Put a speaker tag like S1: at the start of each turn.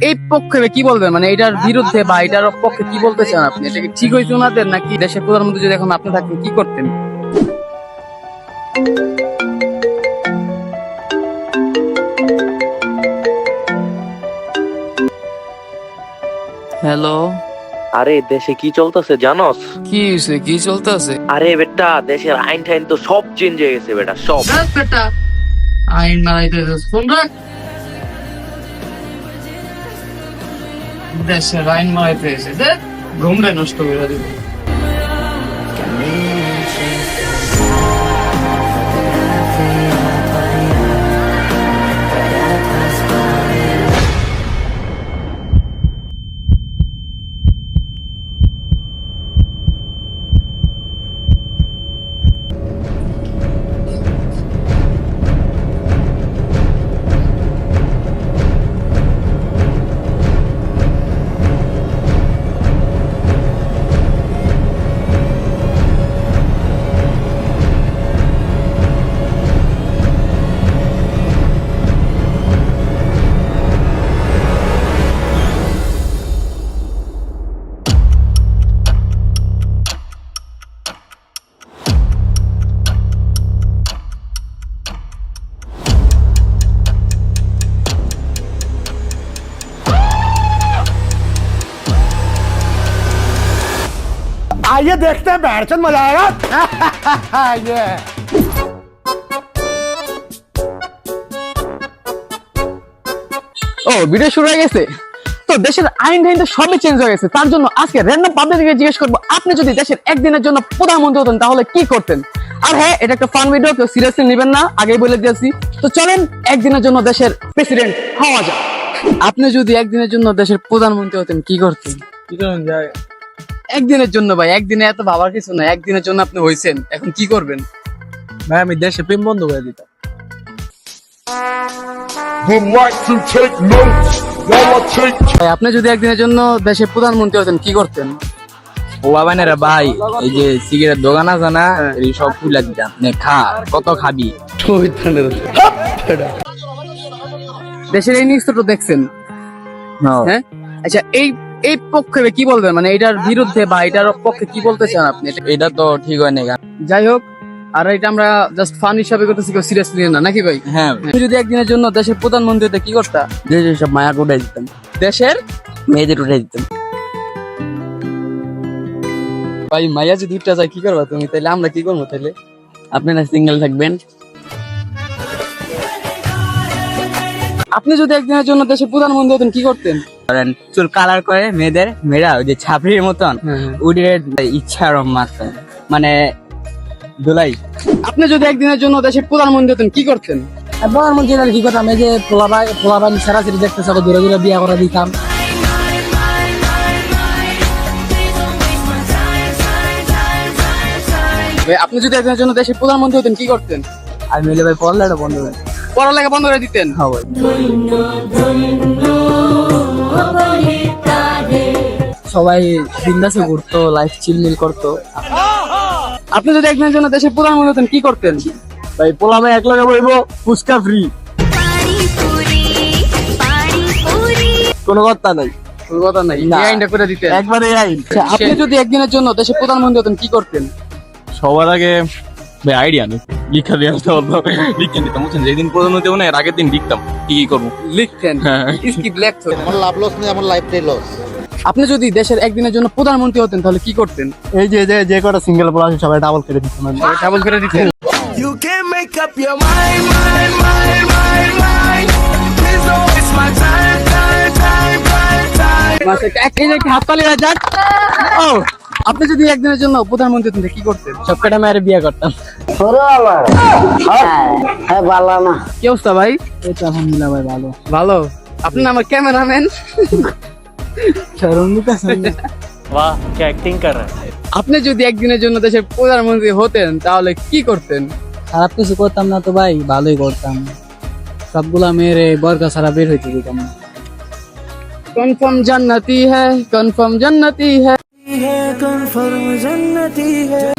S1: এই পক্ষে কি বলবেন, মানে এটার বিরুদ্ধে বা এটার পক্ষে কি বলতে চান আপনি? এটা কি ঠিক হয়েছে ওনাদের, নাকি দেশের প্রধানমন্ত্রী যদি এখন আপনি থাকতেন কি করতেন? হ্যালো,
S2: আরে দেশে কি চলতেছে জানোস?
S1: কি হয়েছে? কি চলতেছে?
S2: আরে বেটা দেশের আইন টাইন তো সব চেঞ্জ হয়ে গেছে বেটা, সব।
S1: বেটা আইন বানাইতেছে, ফোন রাখ। দেশের আইন বানাইতেছে, দেখ ঘুমটা নষ্ট করে দিবে।
S3: आइए देखते हैं बैठचंद मजा आएगा ये
S1: ও ভিডিও শুরু হয়ে গেছে তো। দেশের আইন টাইন তো সবই চেঞ্জ হয়ে গেছে। তার জন্য আজকে র্যান্ডম পাবলিককে জিজ্ঞেস করবো, আপনি যদি দেশের একদিনের জন্য প্রধানমন্ত্রী হতেন তাহলে কি করতেন? আর হ্যাঁ, এটা একটা ফান ভিডিও, কেউ সিরিয়াসলি নেবেন না, আগেই বলে দিয়েছি। তো চলেন একদিনের জন্য দেশের প্রেসিডেন্ট হওয়া যাক। আপনি যদি একদিনের জন্য দেশের প্রধানমন্ত্রী হতেন কি করতেন?
S3: কি করেন যায়
S1: একদিনের জন্য ভাই, একদিনে এত ভাবার কিছু না, একদিনের জন্য আপনি হইছেন, এখন কি করবেন?
S3: ভাই আমি দেশে প্রেম বন্ধ করে দিতাম।
S4: would like to take notes while I take
S1: ভাই আপনি যদি একদিনের জন্য দেশের প্রধানমন্ত্রী হতেন কি করতেন?
S3: ও বাবানেরা ভাই, এই যে সিগারেট দোকান আছে না, এই সব খুলে দিতাম। নে খা, কত খাবি?
S1: দেশের এই নিউজটা তো দেখছেন, হ্যাঁ? আচ্ছা, এই এই পক্ষে কি বলবেন, মানে এটার বিরুদ্ধে বা এটার পক্ষে কি বলতে চান আপনি?
S3: এটা তো ঠিক হয় না।
S1: যাই হোক, আর এটা আমরা জাস্ট ফান হিসাবে করতেছি, কেউ সিরিয়াসলি না, নাকি ভাই?
S3: হ্যাঁ,
S1: তুমি যদি একদিনের জন্য দেশের প্রধানমন্ত্রী হতে কি করতা?
S3: দেশের সব মায়া উঠাই দিতাম,
S1: দেশের
S3: মেয়েদের উঠাই দিতাম।
S1: ভাই মাইয়া যদি উঠতে যায় কি করবা তুমি? তাহলে আমরা কি করবো? তাহলে
S3: আপনারা সিঙ্গেল থাকবেন।
S1: আপনি যদি একদিনের জন্য দেশের প্রধানমন্ত্রী হতেন কি করতেন?
S3: ধরেন চুল কালার করে মেয়েদের, মেয়েরা ওই যে ছাপড়ির মতন
S1: হ্যাঁ।
S3: উড়ে ইচ্ছা মারতেন, মানে দোলাই।
S1: আপনি যদি একদিনের জন্য দেশের প্রধানমন্ত্রী হতেন কি করতেন?
S3: প্রধানমন্ত্রী কি করতাম? এই যে পোলাবাই সারাসরি দেখতে চাবো, দূরে দূরে বিয়া করে দিতাম।
S1: ভাই আপনি যদি একদিনের জন্য দেশের প্রধানমন্ত্রী হতেন কি করতেন?
S3: আর মিলে ভাই পড়ালেটা বন্ধ করে
S1: পড়ালেখা বন্ধ করে দিতেন?
S3: হ্যাঁ ভাই। সবাই বিন্দাসে ঘুরতো, লাইফ চিলমিল করতো।
S1: আপনি যদি একদিনের জন্য দেশের প্রধানমন্ত্রী হতেন কি করতেন?
S3: ভাই পোলাবাই এক লগে বইবো, ফুচকা ফ্রি, কোনো কথা নাই।
S1: কোনো কথা নাই,
S3: না।
S1: এই আইনটা করে দিতেন
S3: একবারে আইন।
S1: আচ্ছা, আপনি যদি একদিনের জন্য দেশের প্রধানমন্ত্রী হতেন কি করতেন?
S5: সবার আগে ভাই আইডিয়া নেই, লিখা দিয়ে আসতে হতো, লিখে দিতাম বুঝছেন। যেদিন প্রধানমন্ত্রী হবো না এর আগের দিন লিখতাম কি কি করবো।
S1: লিখতেন?
S5: হ্যাঁ।
S1: স্কিপ লেখতো?
S6: আমার লাভ লস নেই, আমার লাইফটাই লস।
S1: আপনি যদি দেশের একদিনের জন্য প্রধানমন্ত্রী হতেন তাহলে কি করতেন?
S3: এই যে যে কটা সিঙ্গেল পোলা আছে সবাই ডাবল করে দিতাম।
S1: ডাবল করে দিতেন?
S7: You can make up your mind. Please don't waste my time.
S1: একটা হাততালি হয়ে যাক। ও, আপনি যদি একদিনের জন্য প্রধানমন্ত্রী হতেন কি করতেন?
S3: সব কটা মেয়ের বিয়ে করতাম।
S1: কি অবস্থা ভাই?
S3: এই তো আলহামদুলিল্লাহ ভাই, ভালো।
S1: ভালো। আপনি না আমার ক্যামেরাম্যান।
S2: বাহ, क्या एक्टिंग कर रहा है।
S1: আপনি যদি একদিনের জন্য দেশের প্রধানমন্ত্রী হতেন তাহলে কি করতেন?
S3: খারাপ কিছু করতাম না তো ভাই, ভালোই করতাম। সবগুলা মেয়ের বরকা ছাড়া বের হইতে দিতাম না।
S1: কনফার্ম জান্নাতি হ্যায়, কনফার্ম জান্নাতি হ্যায়।
S7: कन्फर्म जन्नती है।